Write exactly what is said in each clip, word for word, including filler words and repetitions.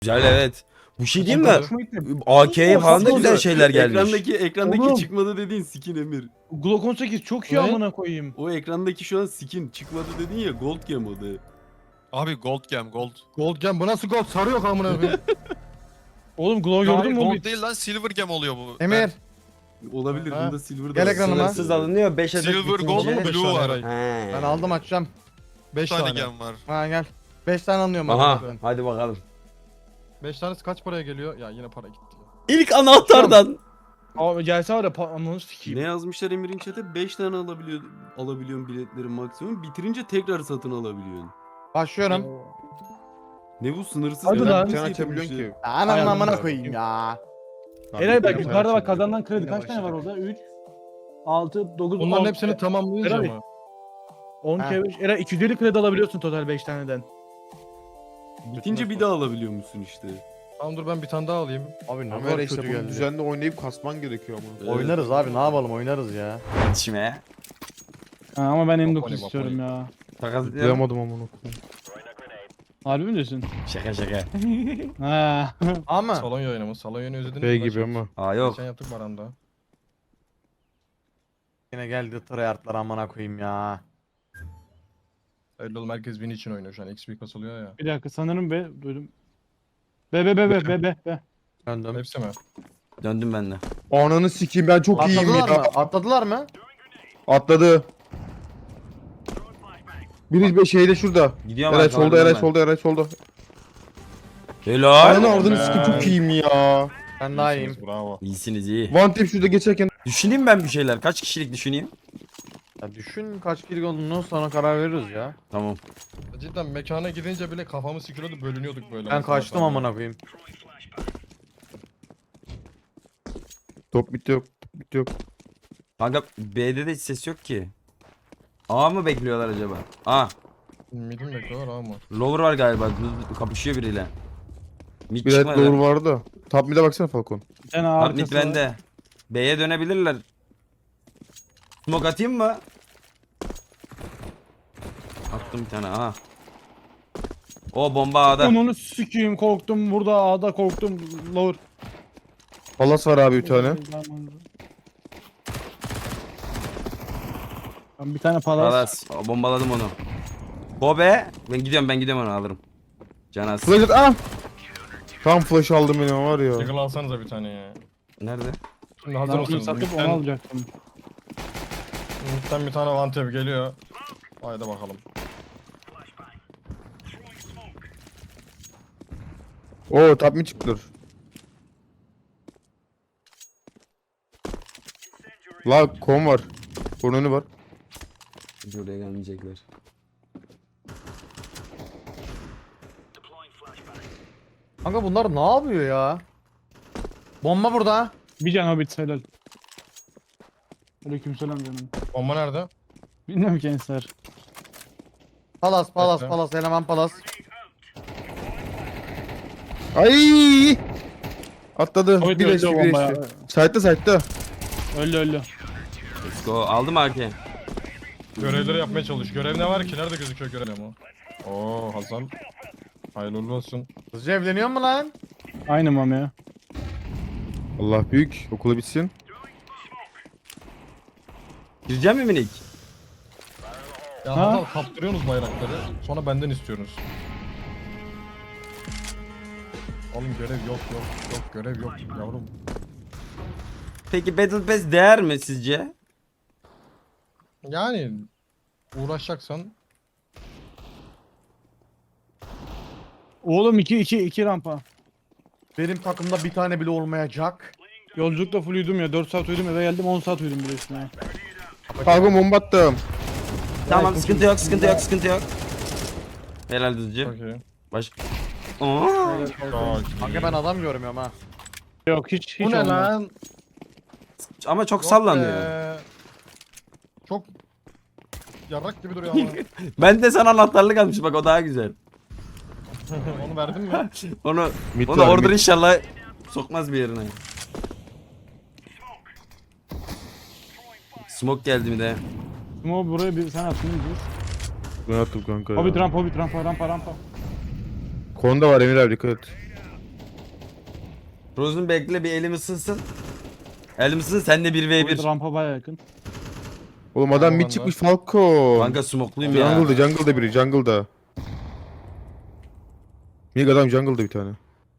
Güzel evet. Bu şey değil mi? Hoşuma gitti. A K'ye falan da Nasıl güzel oldu? şeyler gelmiş. Ekrandaki ekrandaki Oğlum. çıkmadı dediğin skin Emir. Glock on sekiz çok iyi Ne? amına koyayım. O ekrandaki şu an skin çıkmadı dedin ya, gold gem o da. Abi gold gem gold. Gold gem bu nasıl gold? Sarı yok amına koyayım. Oğlum Glock Hayır, gördün mü? gold oğlum? değil lan silver gem oluyor bu. Emir. Olabilir, Ha. bunda silver da Gel var. ekranıma. Sınırsız alınıyor beş adet Silver, bitince. gold, Beş blue tane var. eray. He. Ben aldım açacağım. Bir beş tane tane. gem var. Ha gel. beş tane anlıyorum. Aha hadi bakalım. beş tanesi kaç paraya geliyor? Ya yine para gitti. İlk anahtardan. Abi gelse var ya pa- ananı sikeyim. Ne yazmışlar Emir'in chat'e? beş tane alabiliyor alabiliyorsun biletlerin maksimum. Bitirince tekrar satın alabiliyorsun. Başlıyorum. Ne bu sınırsız? Hadi bir lan. şey Sen getirmişler. açabiliyorsun ki. Ananın Ayağım amına var. koyayım ya. Eray bak Sen yukarıda bak açabiliyorsun. kazanılan kredi Yine kaç tane var başladık. orada? üç, altı, dokuz, Bunların on. hepsini tamamlayınca Eray. mı? on Ha. kere beş. Eray iki yüz elli kredi alabiliyorsun total beş taneden. Bitince bir daha alabiliyor musun işte? Tamam dur ben bir tane daha alayım. Abi ne Ama kadar işte işte bunu bunu düzenli oynayıp kasman gerekiyor ama. Evet. Oynarız abi ne yapalım oynarız ya. İçime. Ha, ama ben M dokuz Bapoli, istiyorum Bapoli. ya. Takas Duyamadım amına koyayım. Harbi mi diyorsun? Şaka şaka. Ha. Ama. Salon yayını mı? Salon yayını özlediniz Şey mi? gibi ama. Aa yok. Geçen yaptık Baran'da. Yine geldi tryhardlar amına koyayım ya. Öyle oğlum herkes win için oynuyor şu an. X P kasılıyor ya. Bir dakika sanırım be duydum. Be be be be be be be. Döndüm. Hepsi mi? Döndüm ben de. Ananı sikeyim ben çok iyiyim Atladılar ya. mı? Atladılar mı? Atladı. Biri bir şeyde şurada. Gidiyorum Eray arkalarından solda, Eray ben. solda, Eray solda. Helal. Ananı avradını sikeyim çok iyiyim ya. Ben daha iyiyim. Bravo. İyisiniz iyi. One tip şurada geçerken. Düşüneyim ben bir şeyler. Kaç kişilik düşüneyim? Ya düşün kaç kill olduğunu sonra karar veririz ya. Tamam. Cidden mekana gidince bile kafamı sıkıyordu bölünüyorduk böyle. Ben mesela kaçtım falan. amına koyayım. Top bit yok, top bit yok. Kanka B'de de hiç ses yok ki. A mı bekliyorlar acaba? A. Mid'im bekliyorlar ama. Lower var galiba. Kapışıyor biriyle. Mid Bir evet çıkmadı. doğru vardı da. Top mid'e baksana Falcon. Bir tane Top mid arkası var. bende. B'ye dönebilirler. Smoke atayım mı? Attım bir tane aha. O bomba A'da. Onu sikeyim korktum burada A'da korktum lower. Palas var abi bir tane. Ben bir tane palas. Palas. Bombaladım onu. Bobe. Ben gidiyorum ben gidiyorum onu alırım. Canas. Flash at, ah! Tam flash aldım benim var ya. Diggle alsanıza bir tane ya. Nerede? Şimdi Ben hazır bunu mısınız? satıp onu Mid'den, alacaktım. mid'den bir tane one tap geliyor. Haydi bakalım. Oo top mid çıktı. La kon var. Kon önü var. Buraya gelmeyecekler. Kanka bunlar ne yapıyor ya? Bomba burada. Bir can hobbit helal. Aleykümselam canım. Bomba nerede? Bilmiyorum ki Ensar. Palas palas Bekle. palas eleman palas. Ay! Atladı. Hobbit Bir öldü eşki o bir bomba ya. eşki. Side'da side'da. Öldü öldü. Let's go. Aldım arke. Görevleri yapmaya çalış. Görev ne var ki? Nerede gözüküyor görev ama? Oo Hasan. Hayırlı uğurlu olsun. Hızlıca evleniyor mu lan? Aynı mam ya. Allah büyük. Okulu bitsin. Gireceğim mi minik? Ya Ha? Hasan kaptırıyorsunuz bayrakları. Sonra benden istiyorsunuz. Oğlum görev yok yok yok görev yok yavrum. Peki Battle Pass değer mi sizce? Yani uğraşacaksan Oğlum iki iki iki rampa. Benim takımda bir tane bile olmayacak. Yolculukta full uyudum ya. dört saat uyudum eve geldim on saat uyudum bile üstüne. Falcon bomba attım. Tamam sıkıntı yok sıkıntı yok sıkıntı yok. Helal düzcü. çok iyi. Baş... Aa, Çok Kanka ben adam görmüyorum ha. Yok hiç hiç Bu ne olmaz. lan? ama çok Yok sallanıyor. be. Çok yarrak gibi duruyor ama. Ben de sana anahtarlık almış bak o daha güzel. Onu verdin mi? Onu Mid onu var, order mid. inşallah sokmaz bir yerine. Smoke geldi mi de. Ama buraya bir sen attın dur. Ben attım kanka Hobbit ya. rampa hobbit rampa rampa rampa. Konda var Emir abi dikkat et. Frozen bekle bir elim ısınsın. Elim ısınsın sen de bir ve bir. Rampa baya yakın. Oğlum adam Tamam, mid ben de. çıkmış Falcon. Kanka smokluyum ya. Jungle'da jungle'da biri jungle'da. Mid adam jungle'da bir tane.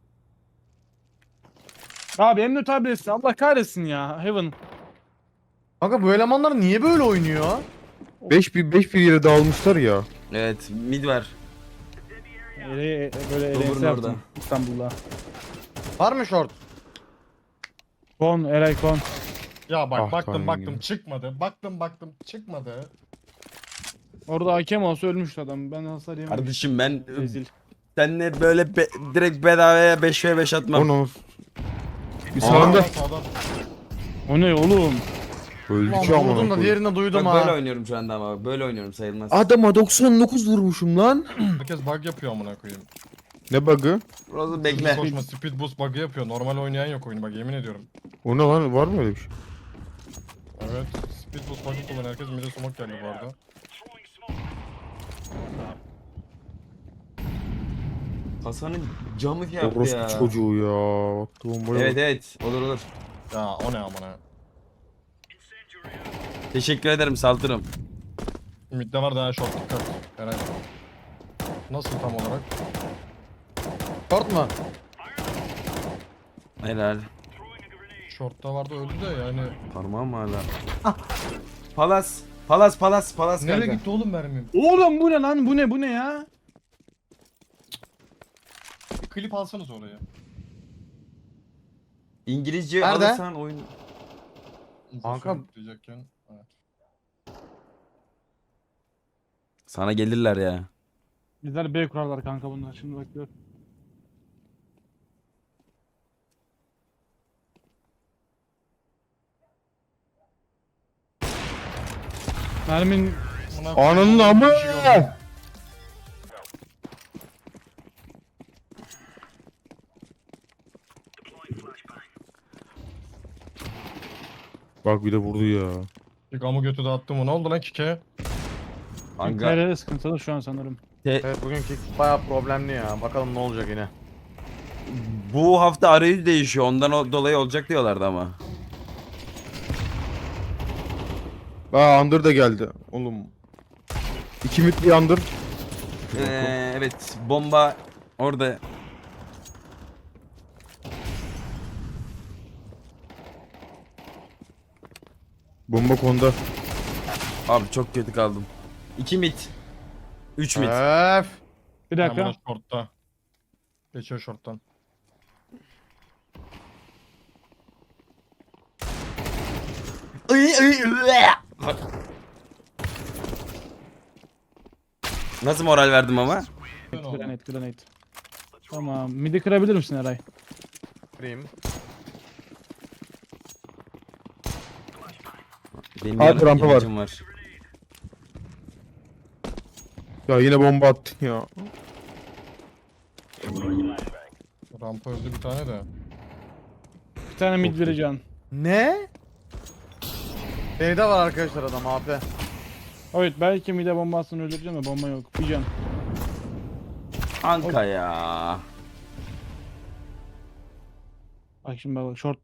Abi Emre tabletsin. Allah kahretsin ya. Heaven. Kanka bu elemanlar niye böyle oynuyor? beş bir beş bir yere dağılmışlar ya. Evet mid var. Ele, böyle Dober'ın elense yaptım orada. İstanbul'da. Var mı short? Kon, Eray Kon. Ya bak Ah, baktım tanrım baktım ya. çıkmadı. Baktım baktım çıkmadı. Orada hakem olsa ölmüştü adam. Ben hasar yemedim. Kardeşim ben Rezil. seninle böyle be- direkt bedavaya beş ve beş atmam. Onu. Bir Aa, sağında. sağdan. O ne oğlum? Öldü Ulan ki amına vurdum da koyayım. diğerini duydum Bak böyle ha. oynuyorum şu anda ama böyle oynuyorum sayılmaz. Adama doksan dokuz vurmuşum lan. Herkes bug yapıyor amına koyayım. Ne bug'ı? Frozen Hızlı bekle. koşma speed boost bug'ı yapıyor. Normal oynayan yok oyunu bak yemin ediyorum. O ne lan? Var mı öyle bir şey? Evet. Speed boost bug'ı kullan. Herkes mide smoke geldi bu arada. Hasan'ın camı yaptı Orospu ya. çocuğu ya. Baktı bombaya Evet bak. evet olur olur. Ya o ne amına. Teşekkür ederim saldırım. Midde var daha short dikkat. Herhalde. Nasıl tam olarak? Short mu? Helal. Short'ta vardı öldü de yani. Parmağım hala. Palas. Palas palas palas Nereye kanka. gitti oğlum mermim? Oğlum bu ne lan? Bu ne? Bu ne ya? Bir klip alsanız oraya. İngilizce Nerede? alırsan oyun. Kanka- Diyecekken. Evet. Sana gelirler ya. Bizler B kurarlar kanka bunlar. Şimdi bak gör. Mermin Amına Ananın koyayım, amı. bir şey oldu. Bak bir de vurdu ya. Bir gamı götü dağıttım o. Ne oldu lan kike? Kanka nerede sıkıntılı şu an sanırım. Evet bugünkü bayağı problemli ya. Bakalım ne olacak yine. bu hafta arayüz değişiyor. Ondan o- dolayı olacak diyorlardı ama. Aa Under da geldi. Oğlum. İki mid bir Under. Ee, evet bomba orada. Bomba konda. Abi çok kötü kaldım. iki mit. üç mit. Öf. Bir Ben dakika. bunu short'ta. Geçiyor short'tan. Iy, iy, üe. Nasıl moral verdim ama? Ne oldu? Granate, granate. Tamam. Midi kırabilir misin Eray? Kırayım. Benim Abi, yarın rampa var. ilacım var. Ya yine bomba attın ya. Rampa öldü bir tane de. Bir tane mid vereceğim. Ne? B'de var arkadaşlar adam A P. Evet belki mide bombasını öldüreceğim de bomba yok. Bir can. Anka ya. Bak şimdi bak short.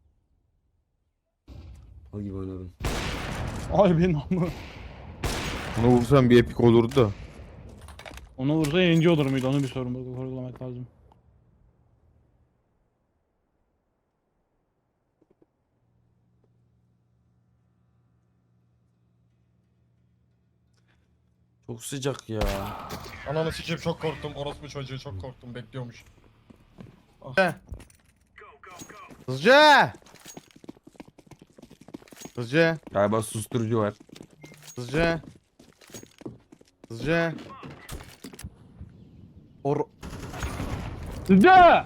O gibi oynadım. Ay benim ama. Ona vursan bir epik olurdu da. Ona vursa yayıncı olur muydu? Onu bir sorun bak sorgulamak lazım. Çok sıcak ya. Ananı sikeyim çok korktum. Orospu çocuğu çok korktum. Bekliyormuş. Hızlıca. Hızlıca. Galiba susturucu var. Hızlıca. Hızlıca. Or Sıca!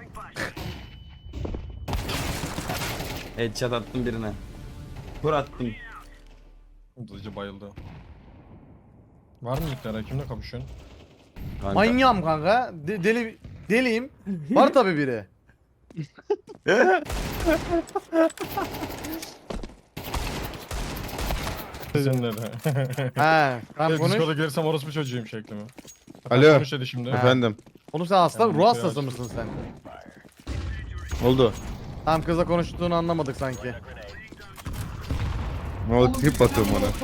Headshot attım birine. Kur attım. Hızlıca bayıldı. Var mı ilklere? Kimle kapışıyorsun? Kanka. manyağım kanka. De- deli deliyim. Var tabi biri. Sizinle de. He. Tamam Evet, konuş. Discord'a gelirsem orospu çocuğuyum şeklimi. Alo. Konuş dedi şimdi. Ha. Efendim. Oğlum sen hasta Ben ruh bir şey hastası açtım. mısın sen? Oldu. Tam kızla konuştuğunu anlamadık sanki. Ne oldu trip atıyorum ona.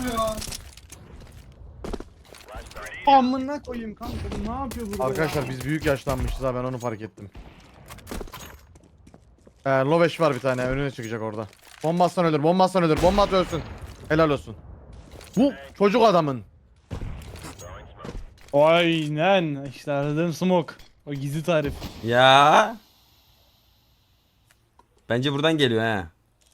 Amına koyayım kanka bu ne yapıyor burada? Arkadaşlar biz büyük yaşlanmışız ha, ben onu fark ettim. Ee, Loveş var bir tane, önüne çıkacak orada. Bombastan ölür, bombastan ölür, bomba at ölsün. Helal olsun. Bu çocuk adamın. Aynen işte aradığım smoke. O gizli tarif. Ya. Bence buradan geliyor ha.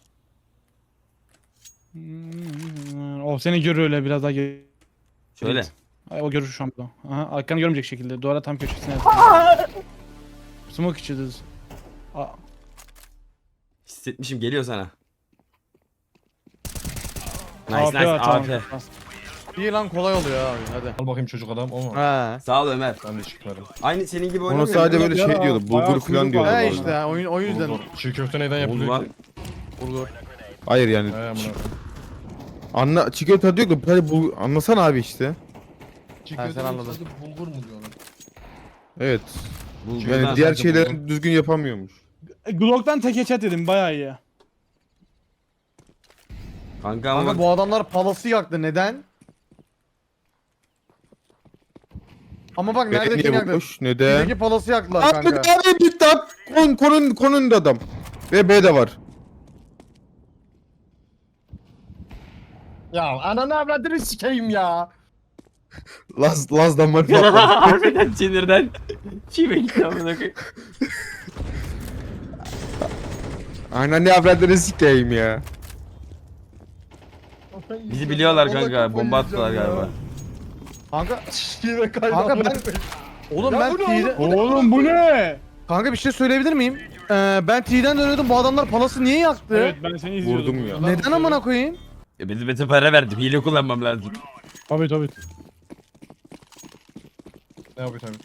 Hmm, O seni görüyor öyle biraz daha gel. Şöyle. Ay, o görür şu an burada. Aha, arkanı görmeyecek şekilde. Duvara tam köşesine. Smoke içiyoruz. Aa, Hissetmişim, geliyor sana. Nice A F nice var, tamam. A F. İyi lan, kolay oluyor abi, hadi. Al bakayım çocuk adam o mu? He. Sağ ol Ömer. Ben de çıkarım. Aynı senin gibi Ona oynamıyor. sadece mu? böyle Ya, şey diyordu. bayağı Bulgur falan kuyruk diyordu. var. He bu arada. işte oyun, o yüzden. Bulgur. Çiğ köfte neyden Oğlum yapılıyor lan. ki? Bulgur. Hayır yani. He amına. Anla çikolata diyor da hadi bu anlasana abi işte. Çiğ Ha, sen köfte anladın. sadece bulgur mu diyorlar? Evet. Bulgurdan Yani diğer sadece şeylerin bulgur. düzgün yapamıyormuş. E, Glock'tan tek headshot dedim bayağı iyi. Kanka ama Kanka bak. bu adamlar palası yaktı, neden? Ama bak Nerede neredekini yaktı. boş neden? Bizdeki palası yaktılar Abi kanka. abi bitti abi. Kon, konun, konun da adam. Ve B de var. Ya ananı avradını sikeyim ya. Laz, Laz'dan var patladı. Harbiden sinirden. Çiğme gitti amına koyayım. Aynen ne avradını sikeyim ya. Bizi biliyorlar kanka. Bomba attılar galiba. Kanka, Yine kayboldu. kanka ben... Oğlum ben T'den... Oğlum bu ne? Kanka bir şey söyleyebilir miyim? Ee, ben T'den dönüyordum, bu adamlar palası niye yaktı? Evet ben seni izliyordum. Vurdum ya. Neden amına koyayım? Ya benim bete para verdim. Hile kullanmam lazım. Tabii tabii. Ne yapıyor tabii.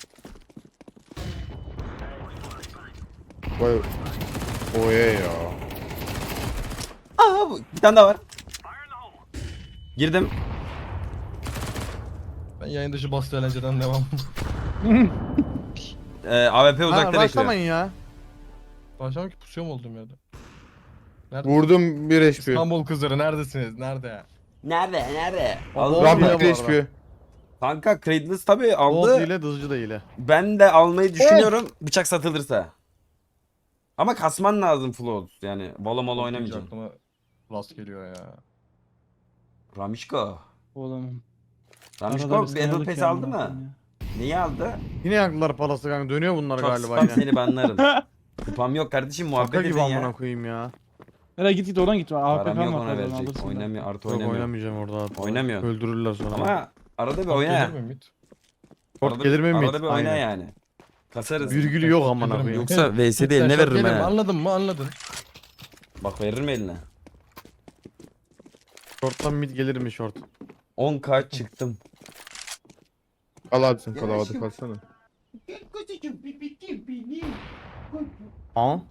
Vay. Oye ya. Aa bu. Bir tane daha var. Girdim. Ben yayın dışı bastı eğlenceden devam. Ee, A W P Ha, uzakta bekliyor. başlamayın ya. Başlamak ki pusuyor mu olduğum yerde? Nerede? Vurdum bir H P. İstanbul kızları neredesiniz? Nerede? Nerede? Nerede? O Al- bomba Rahmet hile bu bir H arada. P. Kanka Cradles tabi Bolt aldı. ile dızcı da ile. Ben de almayı düşünüyorum. Bıçak satılırsa. Ama kasman lazım flow. Yani balo malo oynamayacaksın. Aklıma rast geliyor ya. Ramişko. Oğlum. Ramişko arada bir Battle sınırlık Pass ya, aldı amına mı? koyayım Neyi aldı? Yine yaktılar palası kanka, dönüyor bunlar Çok galiba spam yine. seni banlarım. Kupam yok kardeşim, Şaka muhabbet gibi edin amına ya. koyayım ya. ya. Nereye git git oradan git. A P Param K yok var ona oradan verecek. alırsın da. Oynamıyor, artı Yok oynamıyor. oynamayacağım orada. Oynamıyor. Öldürürler sonra. Ama arada bir Short oyna. gelir mi mid? Short Arada gelir mi mid? Arada bir oyna Aynen. yani. Kasarız. Virgülü yok Short amına gelir mi? koyayım. Yoksa V S'de eline Short veririm gelir mi? ha. Anladın mı? Anladın. Bak veririm eline. Short'tan mid gelir mi short? on K çıktım. Kal abi sen kal havada kalsana. Ha?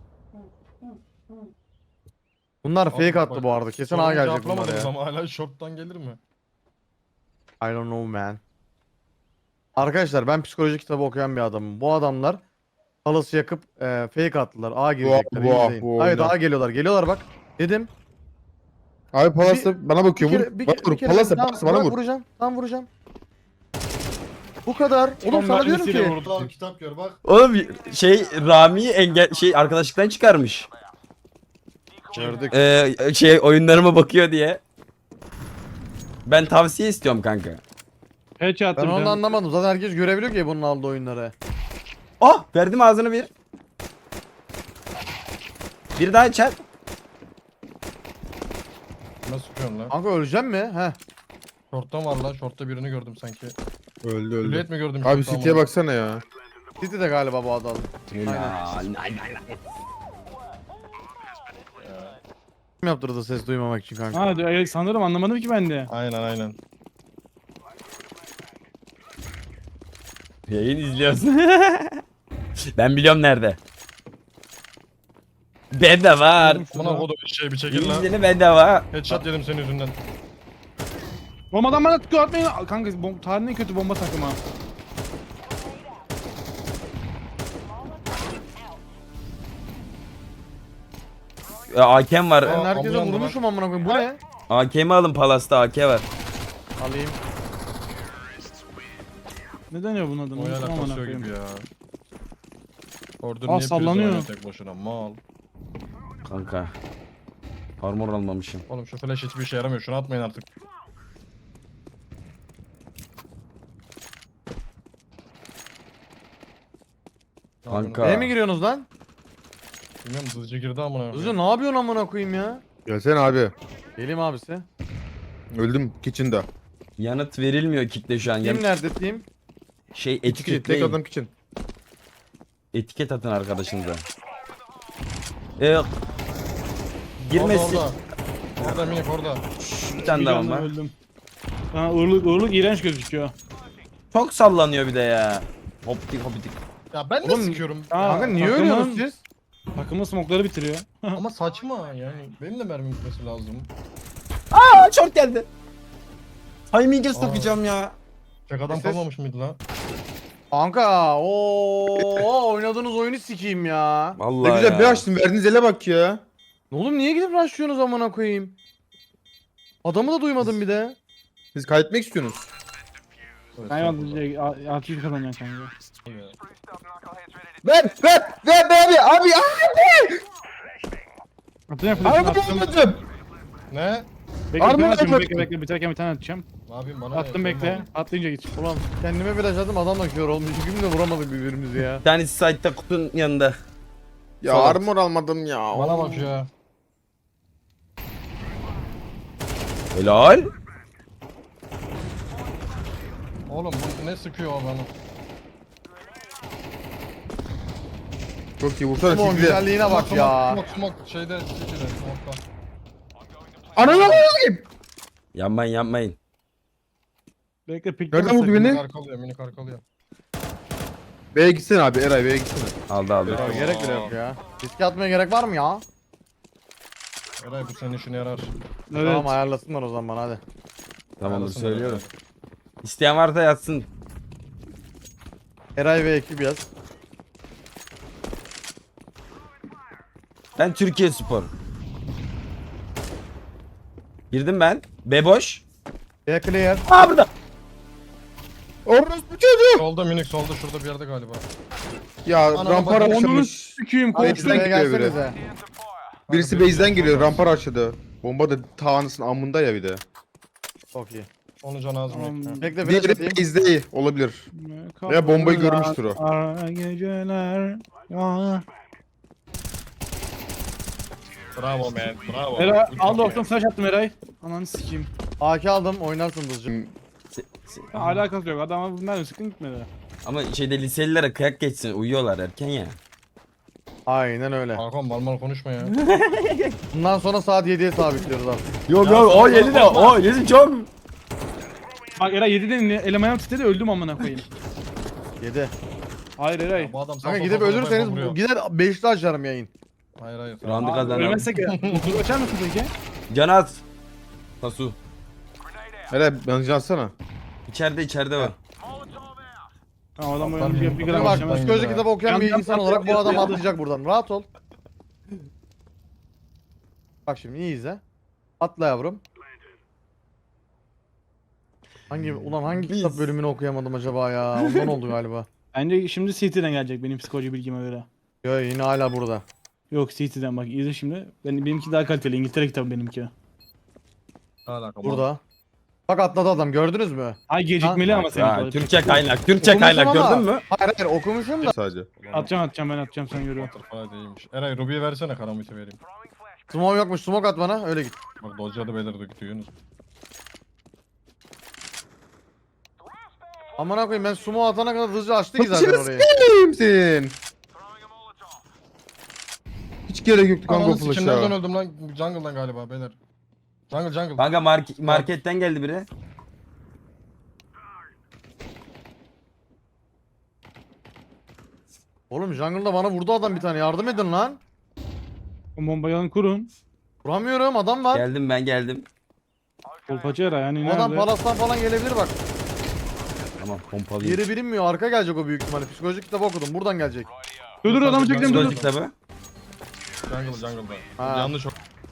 Bunlar fake attı bu arada. Kesin A Sorumu gelecek bunlar cevaplamadınız ya. ama hala short'tan gelir mi? I don't know man. Arkadaşlar ben psikoloji kitabı okuyan bir adamım. Bu adamlar palası yakıp e, fake attılar. A girecekler. bu- izleyin. bu Evet oyna. A geliyorlar. Geliyorlar bak. Dedim. Abi Palas'ta bana bakıyor. Bir Vur. kere, bir, Bana kere- vur. bir kere Palas'ta tam, Palas'ta bana bırak vur. vuracağım. Tam vuracağım. Bu kadar. Oğlum Tam sana diyorum mermisiyle ki. vurdu. Al kitap gör bak. Oğlum şey Rami'yi engel şey arkadaşlıktan çıkarmış. Gördük. Ee, şey oyunlarıma bakıyor diye. Ben tavsiye istiyorum kanka. Headshot Ben attı bir onu tane. anlamadım. Zaten herkes görebiliyor ki bunun aldığı oyunları. Oh verdim ağzını bir. Bir daha çat. Nasıl sıkıyorsun lan? Kanka öleceğim mi? Heh. Short'tan var lan. Short'ta birini gördüm sanki. Öldü öldü. Hülyet mi gördüm? Abi short'ta City'ye ama? baksana ya. City de galiba bu adam. Kim yaptırdı ses duymamak için kanka? Ha diyor, sanırım anlamadım ki ben de. Aynen aynen. Yayın izliyorsun. Ben biliyorum nerede. Ben de var. Buna kodu bir şey bir çekil lan. İzleni ben de var. Headshot yedim senin yüzünden. Bombadan bana tıkıyor atmayın. Kanka bom tarihin en kötü bomba takımı. E, A K'm var. Aa, Ben herkese ambulans var. vurmuşum amına koyayım. Bu ne? A K'mi alın Palas'ta A K var. Alayım. Ne deniyor bunun adını? O yana Unuttum amına kasıyor koyayım. gibi ya. Orada Aa, niye sallanıyor. sallanıyor tek başına mal. Kanka. Armor almamışım. Oğlum şu flash hiçbir işe yaramıyor. Şunu atmayın artık. Kanka. Neye mi giriyorsunuz lan? Bilmiyorum hızlıca girdi amına. Hızlı ne yapıyorsun amına koyayım ya? Gelsene abi. Geleyim abisi. Öldüm kitchen'da. Yanıt verilmiyor kitle şu an. Team Yan- nerede team? şey Kitchen, tek etiketleyin. adam kitchen. Etiket atın arkadaşınıza. Ee, Orada girmesi. orada. Orada minik orada. Bir tane Bir daha canla var. öldüm. Ha, uğurluk, uğurluk iğrenç gözüküyor. Çok sallanıyor bir de ya. Hoptik hoptik. Ya ben de Oğlum, sıkıyorum. Aa, Kanka niye takımın- ölüyorsunuz siz? Takımın smokları bitiriyor. Ama saçma yani. Benim de mermi gitmesi lazım. Aa çok geldi. Timing'e sokacağım ya. Tek adam Ses- kalmamış mıydı lan? Kanka ooo oynadığınız oyunu sikeyim ya. Vallahi Ne güzel ya. bir açtım verdiğiniz ele bak ya. Oğlum niye gidip rushlıyorsunuz amına koyayım? Adamı da duymadım bir de. Siz kaybetmek istiyorsunuz. Evet, Ben estağfurullah. yalnızca altı yüz kazanacaksın kanka. Ver ver ver be abi abi abi. Atacağım flash'ını Abi attım. bulamadım. Ne? Bekle Armor bir tane atayım, atmak- bekle bekle biterken bir tane atacağım. Ne yapayım bana Attım ne? bekle. Atlayınca git. Ulan kendime flash attım adam da kör olmuş. İki gün de vuramadık birbirimizi ya. Bir tanesi site'da kutunun yanında. Ya Sol at. armor almadım ya. Bana bak ya. Helal. Oğlum bu ne sıkıyor o bana? Çok iyi vursana Smoke sizi. güzelliğine bak ya. Smoke smoke şeyde City'de smoke'ta. Ananı alayım. Yanmayın yanmayın. Bekle pik. Nereden vurdu beni? Minik arkalıyor minik arkalıyor. B'ye gitsene abi Eray B'ye gitsene. Aldı aldı. Ya gerek bile yok ya. Riske atmaya gerek var mı ya? Eray bu senin işine yarar. Evet. Tamam ayarlasınlar o zaman hadi. Tamamdır Arasın söylüyorum. Eray. İsteyen varsa yatsın. Eray ve ekip yaz. Ben Türkiye Spor. Girdim ben. B boş. B clear. Aa burada. Orospu çocuğu. Solda minik solda şurada bir yerde galiba. Ya Ananı rampar bak- açılmış. Sikiyim Hadi Base'den şuraya gidiyor biri. gelsenize. Birisi base'den geliyor rampar açıldı. Bomba da tağınısın amında ya bir de. Çok iyi. Onu can az Tamam. minik. Bekle flash Diğeri atayım. base'de iyi olabilir. Ya bombayı görmüştür o. Ara geceler. Aa. Bravo man bravo. Eray Good al job, doksan flash attım Eray. Ananı sikeyim. A K aldım oynarsın hızlıca. Hmm, Se- se- Ya, alakası yok. Adama bundan sıkın gitmedi. Ama şeyde liselilere kıyak geçsin. Uyuyorlar erken ya. Aynen öyle. man. Hakan mal mal konuşma ya. Bundan sonra saat yediye sabitliyoruz abi. Yok Ya yok sana o yedi de korkma. o yedi çok. Bak Eray yediden elim ayağım titredi öldüm amına koyayım. yedi. Hayır Eray. Bu adam Kanka sağ gidip sol sol ölürseniz vuruyor. bu- gider beşli açarım yayın. Hayır hayır. Round'u Aa, kazanalım. Ölmezsek ya. Dur açar mısın peki? Canat. Tasu. Eray bence atsana. İçeride içeride var. Ha adam Kaptan oyunu bir, benim, bir Bak gram kaptan açacağım. benim. psikoloji ya. kitabı okuyan bir Yan- insan yan- olarak bu yan- adam yan- atlayacak buradan. Rahat ol. Bak şimdi iyi izle. Atla yavrum. Hangi ulan hangi Biz- kitap bölümünü okuyamadım acaba ya? Ondan oldu galiba. Bence şimdi C T'den gelecek benim psikoloji bilgime göre. Yo yine hala burada. Yok C T'den bak izle şimdi. Ben, benimki daha kaliteli. İngiltere kitabı benimki. Alaka, Burada. Bak atladı adam gördünüz mü? Ay gecikmeli Ha, ama senin. Ha, kadar. Türkçe kaynak. Türkçe Okumuşum kaynak ama- gördün mü? Hayır hayır okumuşum da. Sadece. Atacağım atacağım ben atacağım sen görüyorsun. Butterfly değilmiş. Eray Ruby'ye versene karamiti vereyim. Smoke yokmuş smoke at bana öyle git. Bak Dodge'da beyler de gidiyorsunuz. Aman koyayım ben smoke atana kadar hızlıca açtı ki zaten Başını orayı. Kimsin? Hiç gerek yoktu kanka o Ananı sikim nereden flash'a. öldüm lan? Jungle'dan galiba beyler. Jungle jungle. Kanka mark- marketten geldi biri. Oğlum jungle'da bana vurdu adam bir tane yardım edin lan. O bombayı alın kurun. Vuramıyorum adam var. Geldim ben geldim. Kolpacı Eray yani O adam nerede? palastan falan gelebilir bak. Tamam pompalıyım. Yeri bilinmiyor arka gelecek o büyük ihtimalle. Psikolojik kitabı okudum buradan gelecek. Dur dur adamı çektim dur Psikoloji dur. kitabı. jungle jungle'da. Ha. Yanlış o.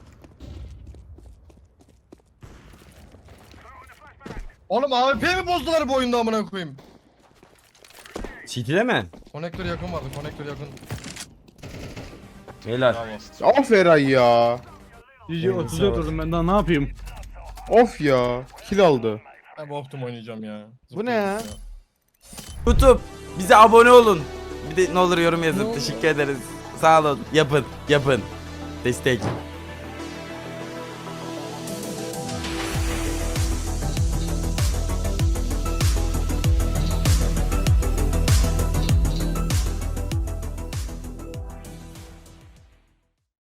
Oğlum A W P mi bozdular bu oyunda amına koyayım? City'de mi? Konektör yakın vardı, konektör yakın. Beyler. Bravo. Of Eray ya. G G otuza oturdum ben daha ne yapayım? Of ya. Kill aldı. Ben bu optum oynayacağım ya. Bu ne ya? YouTube bize abone olun. Bir de ne olur yorum yazın. Teşekkür ederiz. Sağ olun. Yapın. Yapın. Destek.